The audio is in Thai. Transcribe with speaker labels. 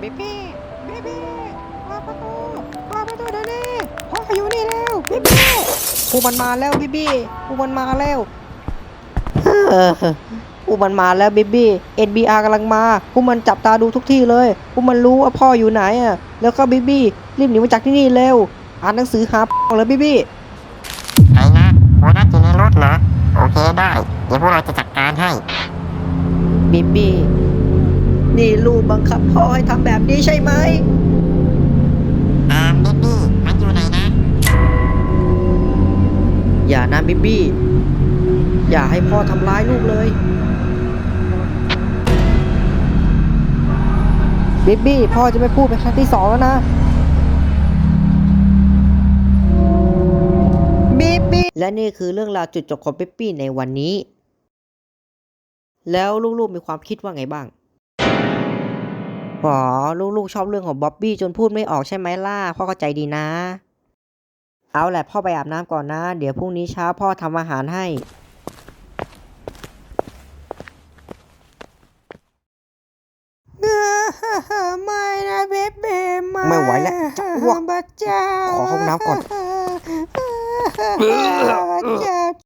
Speaker 1: เบบี้เบบี้เปิดประตูเปิดประตูเดี๋ยวนี้พ่ออยู่นี่แล้วเบบี้พวกมันมาแล้วเบบี้พวกมันมาแล้วพวกมันมาแล้วเบบี้ NBR กำลังมาพวกมันจับตาดูทุกที่เลยพวกมันรู้ว่าพ่ออยู่ไหนอ่ะแล้วก็เบบี้รีบหนีมาจากที่นี่เร็วอ่านหนังสือหาเลยเบบี้
Speaker 2: ไอ้นะโบนัสอยู่ในรถเหรอโอเคได้เดี๋ยวพวกเราจะจัดการให้
Speaker 1: เบบี้นี่ลูกบังคับพ่อให้ทำแบบนี้ใช่ไหม
Speaker 2: เบบี้มันอยู่ไหนนะ
Speaker 1: อย่านะเบบี้อย่าให้พ่อทำร้ายลูกเลยเบบี้พ่อจะไม่พูดเป็นครั้งที่2แล้วนะเบบี้และนี่คือเรื่องราวจุดจบของเบบี้ในวันนี้แล้วลูกๆมีความคิดว่าไงบ้างอ๋อลูกๆชอบเรื่องของบ๊อบบี้จนพูดไม่ออกใช่ไหมล่ะพ่อเข้าใจดีนะเอาแหละพ่อไปอาบน้ำก่อนนะเดี๋ยวพรุ่งนี้เช้าพ่อทำอาหารให้ไม่นะเบเบ้ไม่ไหวแล้วจะอ้วกขอห้องน้ำก่อน